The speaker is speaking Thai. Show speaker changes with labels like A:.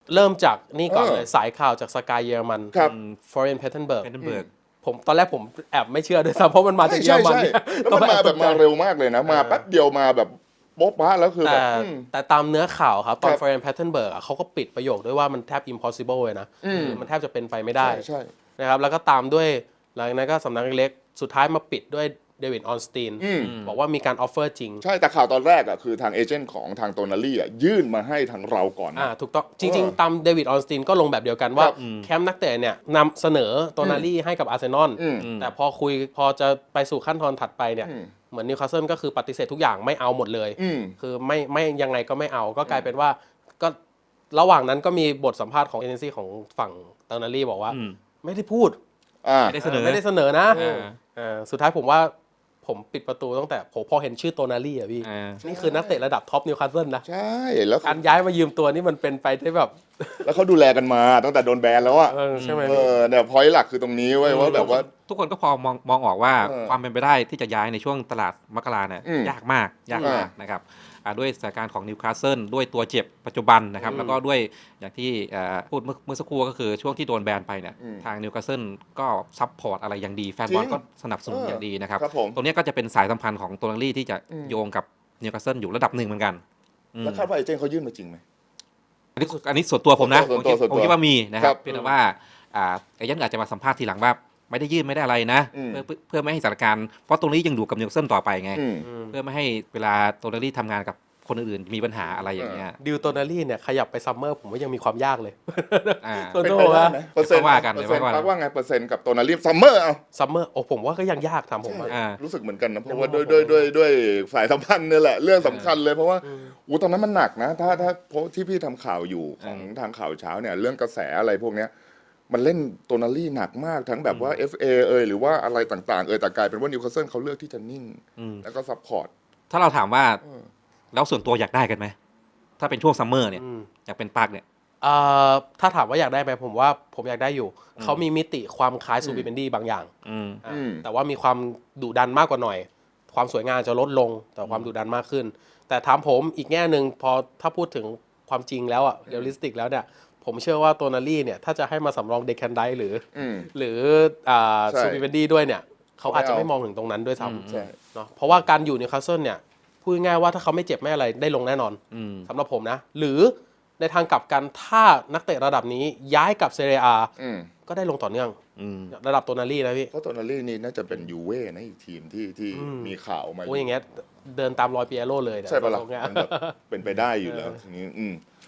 A: เริ่มจากนี่ก่อนเลยสายข่าวจากสกายเยอรมัน
B: ครับ
A: ฟอเรนเพทเทนเบิร์ก
C: Pettenberg
A: ผมตอนแรกผมแอบไม่เชื่อด้วยซ้ำเพราะมันมาจากเยอรมันเนี่ย
B: แล้วมันมาแบบมาเร็วมากเลยนะ มาแป๊บเดียวมาแบบโป๊ะปะแล้วคือแบบ
A: แต่ตามเนื้อข่าวครับตอน
B: ครับ
A: ฟอเรนเพทเทนเบิร์กเขาก็ปิดประโยคด้วยว่ามันแทบ impossible เลยนะมันแทบจะเป็นไปไม่ได้
B: ใช่
A: นะครับแล้วก็ตามด้วยหลังจากนั้นก็สำนักเล็กๆสุดท้ายมาปิดด้วยเดวิดออนสตีนบอกว่ามีการออฟเฟอร์จริง
B: ใช่แต่ข่าวตอนแรกอ่ะคือทางเอเจนต์ของทางโตนาลี่อ่ะยื่นมาให้ทางเราก่อนนะ
A: ถูกต้องจริง ๆ ตามเดวิดออนสตีนก็ลงแบบเดียวกันว่า
B: ครับ
A: แคมป์นักเตะเนี่ยนำเสนอโตนาลี่ให้กับอาร์เซนอลแต่พอจะไปสู่ขั้นตอนถัดไปเนี่ยเหมือนนิวคาสเซิลก็คือปฏิเสธทุกอย่างไม่เอาหมดเลยคือไม่ยังไงก็ไม่เอาก็กลายเป็นว่าก็ระหว่างนั้นก็มีบทสัมภาษณ์ของเอเจนซี่ของฝั่งโตนาลี่บอกว่าไม่ได้พูด
C: ไม่ได้เสนอ
A: ไม่ได้เสนอนะ
C: อ่า
A: สุดท้ายผมว่าผมปิดประตูตั้งแต่ผมพอเห็นชื่อโตนาลี่อ่ะพี่ นี่คือนักเตะระดับท็อปนิวคาสเซิลนะ
B: ใช่แล้ว
A: การย้ายมายืมตัวนี่มันเป็นไปได้แบบ
B: แล้วเขาดูแลกันมาตั้งแต่โดนแบนแล้วอ่ะ
A: ใช่ไหม
B: เนี่ยพอยต์หลักคือตรงนี้ไว้ยว่าแบบว่า
C: ทุกคนก็พอมองออกว่า
B: เออ
C: ความเป็นไปได้ที่จะย้ายในช่วงตลาดมกราเนี่ย ยากมากนะครับด้วยสถานการณ์ของนิวคาสเซิลด้วยตัวเจ็บปัจจุบันนะครับแล้วก็ด้วยอย่างที่พูดเมื่อสักครู่ก็คือช่วงที่โดนแบนไปเนี่ยทางนิวคาสเซิลก็ซัพพอร์ตอะไรอย่างดีแฟนบอลก็สนับสนุนอย่างดีนะครับ
B: ครับผม
C: ตรงนี้ก็จะเป็นสายสัมพันธ์ของโตนาลี่ที่จะโยงกับนิวคาสเซิลอยู่ระดับหนึ่งเหมือนกัน
B: แล้วคาดว่าเอเจนต์เขายื่นมาจริงไหม
C: อันนี้ส่วนตัวผมนะ
B: ส่วนตัว
C: ผมคิดว่ามีนะค
B: ครั
C: รับบ เพียงแต่ว่าเอเจนต์อาจจะมาสัมภาษณ์ทีหลังว่าไม่ได้ยื่นไม่ได้อะไรนะเพื่อไม่ให้สถานการณ์เพราะตรงนี้ยังอยู่กับนิวคาสเซิลต่อไปไง เพื่อไม่ให้เวลาโตนาลี่ทำงานกับคนอื่นๆมีปัญหาอะไรอย่างเงี้ย
A: ดิวโตนาลี่เนี่ยขยับไปซัมเมอร์ผมว่ายังมีความยากเลย
C: อ่า
A: ส่วน
B: เป็น
A: ตัว
B: ไปได้
A: ว่า
B: ไหมเปอร์เซ็นต์
C: ว่ากัน
B: เปอร์เซ็นต์
C: ว่ากัน
B: พักว่าไงเปอร์เซ็นต์กับโตนาลี่ซัมเมอร์เอา
A: ซัมเมอร์โอ้ผมว่าก็ยังยากทำผมอะ
C: อ่า
B: รู้สึกเหมือนกันนะเพราะว่าด้วยสายสัมพันธ์เนี่ยแหละเรื่องสำคัญเลยเพราะว่าตอนนั้นมันหนักนะถ้าเพราะที่พี่ทำข่าวอยู่ของทางข่าวเช้าเนี่ยเรื่องกระแสอะไรพวกเนี้ยมันเล่นโตนาลี่หนักมากทั้งแบบว่า FA หรือว่าอะไรต่างๆแต่กลายเป็นว่านิวคาสเซิลเขาเลือกที่จะนิ่งแล้วก็ซัพพอร์ต
C: ถ้าเราถามว่าแล้วส่วนตัวอยากได้กันไหมถ้าเป็นช่วงซัมเมอร์เนี่ยอยากเป็นปาร์คเนี่ย
A: ถ้าถามว่าอยากได้ไหมผมว่าผมอยากได้อยู่ เขามีมิติความคล้ายซูบิเบนดี้บางอย่างแต่ว่ามีความดุดันมากกว่าหน่อย ความสวยงามจะลดลงแต่ความดุดันมากขึ้น แต่ถามผมอีกแง่หนึ่งพอถ้าพูดถึงความจริงแล้วอะเรียลลิสติกแล้วเนี่ยผมเชื่อว่าโตนาลี่เนี่ยถ้าจะให้มาสำรองเดคันไดหรือ
B: ใช่
A: ซูบิเบนดี้ด้วยเนี่ยเขาอาจจะไม่มองถึงตรงนั้นด้วยซ้
B: ใช่
A: ำเนาะเพราะว่าการอยู่นิวคาสเซิลเนี่ยพูดง่ายๆว่าถ้าเขาไม่เจ็บไม่อะไรได้ลงแน่นอนสำหรับผมนะหรือในทางกลับกันถ้านักเตะระดับนี้ย้ายกับเซเรียก็ได้ลงต่อเนื่องระดับโตนาลี่นะพี่
B: เพราะโตนาลี่นี่น่าจะเป็นยูเว่นะอีกทีมที่มีข่าวมา
A: โอ้ยอย่างเงี้ยเดินตามรอยเปียโรเลยเนี่ย
B: ใช่ปะล่ะ
A: ตรงเนี้ย
B: มันแบบเป็นไปได้อยู่แล้วทีนี้